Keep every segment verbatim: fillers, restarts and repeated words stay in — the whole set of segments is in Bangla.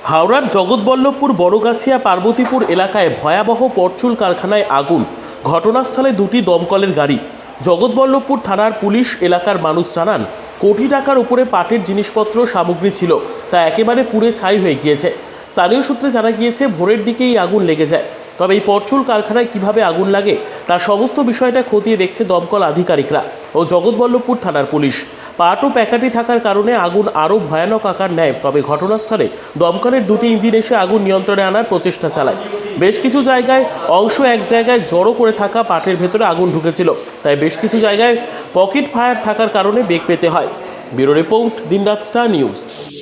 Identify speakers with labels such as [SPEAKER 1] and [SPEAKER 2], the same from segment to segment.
[SPEAKER 1] হাওড়ার জগৎবল্লভপুর বড়গাছিয়া পার্বতীপুর এলাকায় ভয়াবহ পরচুল কারখানায় আগুন। ঘটনাস্থলে দুটি দমকলের গাড়ি। জগৎবল্লভপুর থানার পুলিশ এলাকার মানুষ জানান, কোটি টাকার উপরে পাটের জিনিসপত্র সামগ্রী ছিল, তা একেবারে পুড়ে ছাই হয়ে গিয়েছে। স্থানীয় সূত্রে জানা গিয়েছে, ভোরের দিকেই আগুন লেগে যায়। তবে এই পরচুল কারখানায় কিভাবে আগুন লাগে তার সমস্ত বিষয়টা খতিয়ে দেখছে দমকল আধিকারিকরা ও জগৎবল্লভপুর থানার পুলিশ। পাট ও প্যাকাটি থাকার কারণে আগুন আরও ভয়ানক আকার নেয়। তবে ঘটনাস্থলে দমকলের দুটি ইঞ্জিন এসে আগুন নিয়ন্ত্রণে আনার প্রচেষ্টা চালায়। বেশ কিছু জায়গায় অংশ এক জায়গায় জড়ো করে থাকা পাটের ভেতরে আগুন ঢুকেছিল, তাই বেশ কিছু জায়গায় পকেট ফায়ার থাকার কারণে বেগ পেতে হয়। ব্যুরো রিপোর্ট, দিনরাত স্টার নিউজ।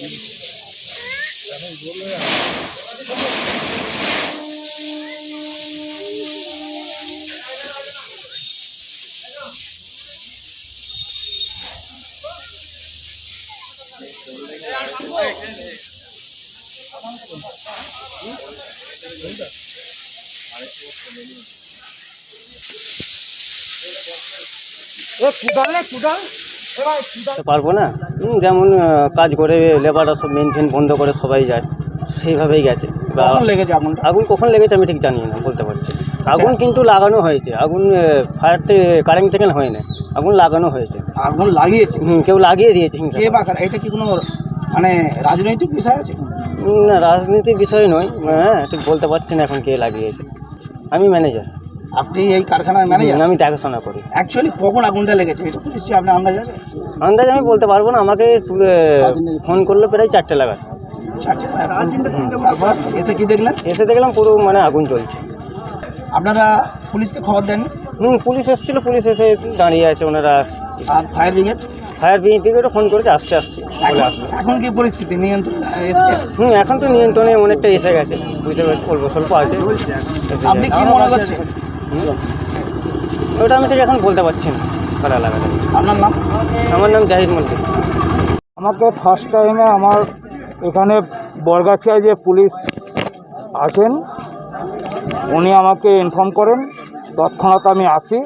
[SPEAKER 2] পারবো না, হুম, যেমন আহ, কাজ করে লেবাররা সব মেন ফেন বন্ধ করে সবাই যায়, সেইভাবেই গেছে। বা
[SPEAKER 3] কখন লেগেছে আগুন?
[SPEAKER 2] আগুন কখন লেগেছে আমি ঠিক জানি না, বলতে পারছি না। আগুন কিন্তু লাগানো হয়েছে, আগুন ফায়ার থেকে কারেন্ট থেকে হয় না, আগুন লাগানো হয়েছে।
[SPEAKER 3] আগুন লাগিয়েছে
[SPEAKER 2] হুম, কেউ লাগিয়ে দিয়েছে হিংসা
[SPEAKER 3] কে
[SPEAKER 2] করে।
[SPEAKER 3] বা কারা? এটা কি কোনো মানে রাজনৈতিক বিষয় আছে?
[SPEAKER 2] হুম, না, রাজনীতির বিষয় নয়। হ্যাঁ, ঠিক বলতে পারছি না এখন কে লাগিয়েছে। আমি ম্যানেজার,
[SPEAKER 3] আপনি এই কারখানার ম্যানেজার?
[SPEAKER 2] আমি দেখাশোনা করি।
[SPEAKER 3] অ্যাকচুয়ালি কখন আগুনটা লেগেছে এটা তো নিশ্চয়ই আপনার আন্দাজ আছে?
[SPEAKER 2] আন্দাজ আমি বলতে পারবো না, আমাকে তুলে ফোন করলো প্রায় চারটে লাগার।
[SPEAKER 3] আচ্ছা, তারপর এসে কি দেখলেন?
[SPEAKER 2] এসে দেখলাম পুরো মানে আগুন চলছে।
[SPEAKER 3] আপনারা পুলিশকে খবর দেন?
[SPEAKER 2] হুম, পুলিশ এসেছিলো, পুলিশ এসে দাঁড়িয়ে আছে ওনারা।
[SPEAKER 3] আর ফায়ার ব্রিগেড?
[SPEAKER 2] ফায়ার ব্রিগেডও ফোন করেছে, আসছে আসছে বলে আসবে।
[SPEAKER 3] এখন কি পরিস্থিতি নিয়ন্ত্রণ এসছে?
[SPEAKER 2] হুম, এখন তো নিয়ন্ত্রণে অনেকটা এসে গেছে, বুঝতে পারছি, অল্প স্বল্প আছে। এসে
[SPEAKER 3] আপনি
[SPEAKER 2] গেছে।
[SPEAKER 3] কি মনে করছেন?
[SPEAKER 2] হুম, ওটা আমি ঠিক এখন বলতে পারছি না কারা লাগাতে।
[SPEAKER 3] আপনার নাম?
[SPEAKER 2] আমার নাম জাহিদ মল্লিক।
[SPEAKER 4] আমাকে ফার্স্ট টাইমে আমার এখানে বড়গাছিয়ায় যে পুলিশ আছেন উনি আমাকে ইনফর্ম করেন, তৎক্ষণাৎ আমি আসি।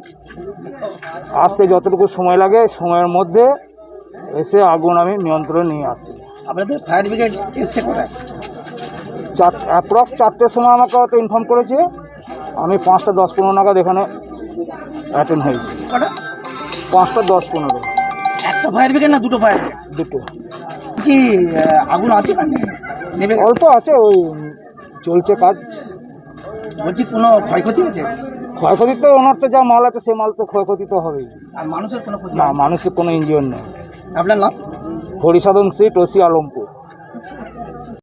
[SPEAKER 4] আসতে যতটুকু সময় লাগে সময়ের মধ্যে এসে আগুন আমি নিয়ন্ত্রণে নিয়ে আসি।
[SPEAKER 3] আপনাদের ফায়ার ব্রিগেড এসছে কোথায়?
[SPEAKER 4] চার অ্যাপ্রক্স চারটের সময় আমাকে হয়তো ইনফর্ম করেছে, আমি পাঁচটা দশ পনেরো নাগাদ এখানে অ্যাটেন্ড হয়েছি।
[SPEAKER 3] কটা?
[SPEAKER 4] পাঁচটা দশ পনেরো।
[SPEAKER 3] একটা ফায়ার ব্রিগেড না দুটো ফায়ার ব্রিগেড?
[SPEAKER 4] দুটো।
[SPEAKER 3] কি আহ, আগুন আছে না নেই? নেবে?
[SPEAKER 4] অল্প আছে, ওই চলছে কাজ।
[SPEAKER 3] বলছি কোনো ক্ষয়ক্ষতি হয়েছে?
[SPEAKER 4] ক্ষয়ক্ষতি তো ওনার তো যা মাল আছে সে মাল তো ক্ষয়ক্ষতি তো হবেই।
[SPEAKER 3] আর মানুষের কোনো ক্ষতি
[SPEAKER 4] না,
[SPEAKER 3] হয়নি?
[SPEAKER 4] মানুষের কোনো ইঞ্জিন নেই।
[SPEAKER 3] আপনার নাম?
[SPEAKER 4] হরিসাধন সিট, ওসি আলমপুর।